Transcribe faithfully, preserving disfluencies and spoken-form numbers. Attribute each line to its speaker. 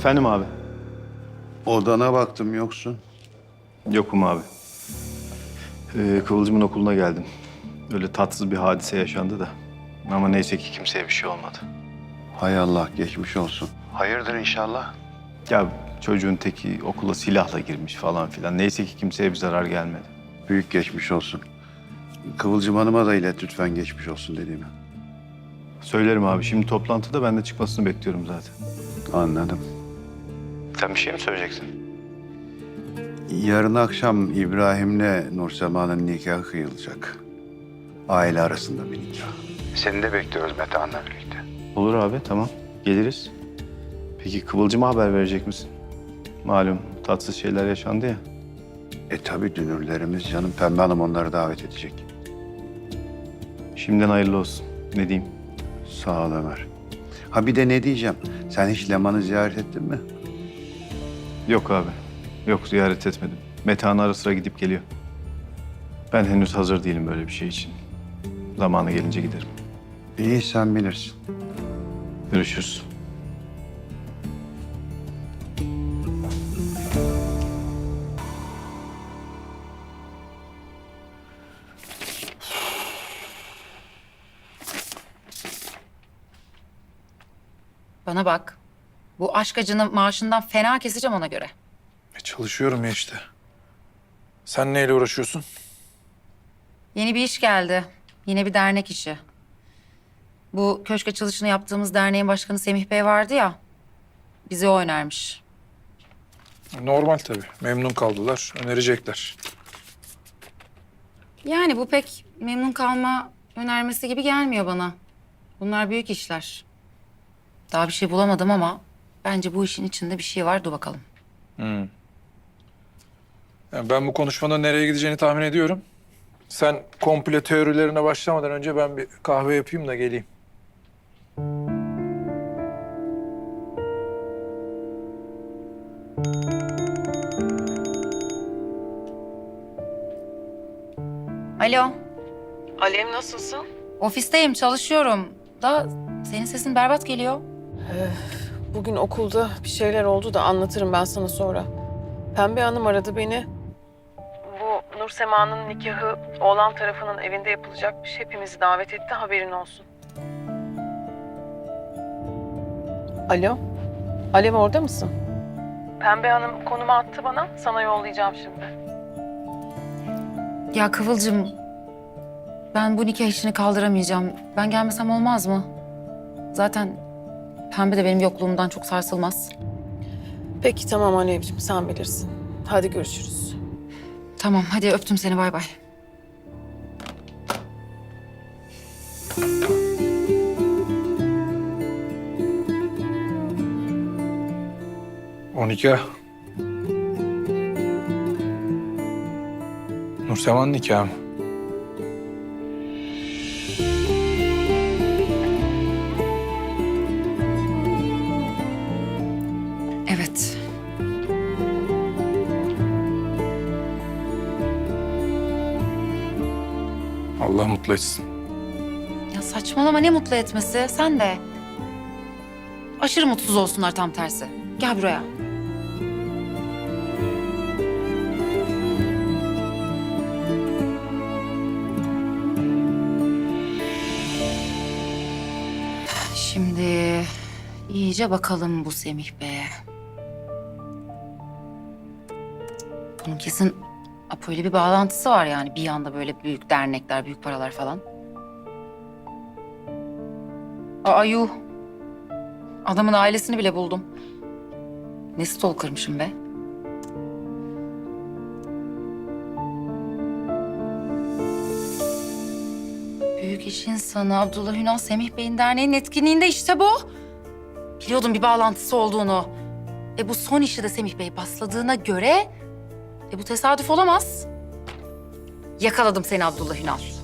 Speaker 1: Efendim abi?
Speaker 2: Odana baktım, yoksun.
Speaker 1: Yokum abi. Ee, Kıvılcım'ın okuluna geldim. Öyle tatsız bir hadise yaşandı da. Ama neyse ki kimseye bir şey olmadı.
Speaker 2: Hay Allah, geçmiş olsun. Hayırdır inşallah.
Speaker 1: Ya çocuğun teki okula silahla girmiş falan filan. Neyse ki kimseye bir zarar gelmedi.
Speaker 2: Büyük geçmiş olsun. Kıvılcım Hanım'a da ilet lütfen geçmiş olsun dediğimi.
Speaker 1: Söylerim abi. Şimdi toplantıda ben de çıkmasını bekliyorum zaten.
Speaker 2: Anladım.
Speaker 1: Sen bir şey mi söyleyeceksin?
Speaker 2: Yarın akşam İbrahim'le Nursema'nın nikahı kıyılacak. Aile arasında bir nikah. Seni de bekliyoruz Metehan'la birlikte.
Speaker 1: Olur abi, tamam. Geliriz. Peki Kıvılcım'a haber verecek misin? Malum tatsız şeyler yaşandı ya.
Speaker 2: E tabii dünürlerimiz canım. Pembe Hanım onları davet edecek.
Speaker 1: Şimdiden hayırlı olsun. Ne diyeyim?
Speaker 2: Sağ ol Ömer. Ha bir de ne diyeceğim? Sen hiç Leman'ı ziyaret ettin mi?
Speaker 1: Yok abi. Yok, ziyaret etmedim. Metehan ara sıra gidip geliyor. Ben henüz hazır değilim böyle bir şey için. Zamanı gelince giderim.
Speaker 2: İyi, sen bilirsin.
Speaker 1: Görüşürüz.
Speaker 3: Bana bak. Bu aşk acının maaşından fena keseceğim ona göre.
Speaker 4: E çalışıyorum ya işte. Sen neyle uğraşıyorsun?
Speaker 3: Yeni bir iş geldi. Yine bir dernek işi. Bu köşk açılışını yaptığımız derneğin başkanı Semih Bey vardı ya. Bizi o önermiş.
Speaker 4: Normal tabii. Memnun kaldılar. Önerecekler.
Speaker 3: Yani bu pek memnun kalma önermesi gibi gelmiyor bana. Bunlar büyük işler. Daha bir şey bulamadım ama bence bu işin içinde bir şey var. Dur bakalım.
Speaker 4: Yani ben bu konuşmanın nereye gideceğini tahmin ediyorum. Sen komple teorilerine başlamadan önce ben bir kahve yapayım da geleyim.
Speaker 3: Alo.
Speaker 5: Alev, nasılsın?
Speaker 3: Ofisteyim, çalışıyorum. Da senin sesin berbat geliyor.
Speaker 5: Bugün okulda bir şeyler oldu da anlatırım ben sana sonra. Pembe Hanım aradı beni. Bu Nur Sema'nın nikahı oğlan tarafının evinde yapılacakmış. Hepimizi davet etti, haberin olsun. Alo? Alev, orada mısın? Pembe Hanım konumu attı bana. Sana yollayacağım şimdi.
Speaker 3: Ya Kıvılcım, ben bu nikah işini kaldıramayacağım. Ben gelmesem olmaz mı? Zaten Pembe de benim yokluğumdan çok sarsılmaz.
Speaker 5: Peki tamam Alevciğim, sen bilirsin. Hadi görüşürüz.
Speaker 3: Tamam, hadi öptüm seni, bay bay.
Speaker 4: O nikah. Nurseman nikahı mı?
Speaker 3: Evet.
Speaker 4: Allah mutlu etsin.
Speaker 3: Ya saçmalama, ne mutlu etmesi, sen de. Aşırı mutsuz olsunlar tam tersi. Gel buraya. Şimdi iyice bakalım bu Semih Bey'e. Bunun kesin Apo ile bir bağlantısı var yani. Bir anda böyle büyük dernekler, büyük paralar falan. Aa yuh. Adamın ailesini bile buldum. Ne stalker'mışım be. Büyük iş insanı Abdullah Ünal Semih Bey'in derneğinin etkinliğinde, işte bu. Biliyordum bir bağlantısı olduğunu. E bu son işi de Semih Bey basladığına göre... E bu tesadüf olamaz. Yakaladım seni Abdullah Ünal.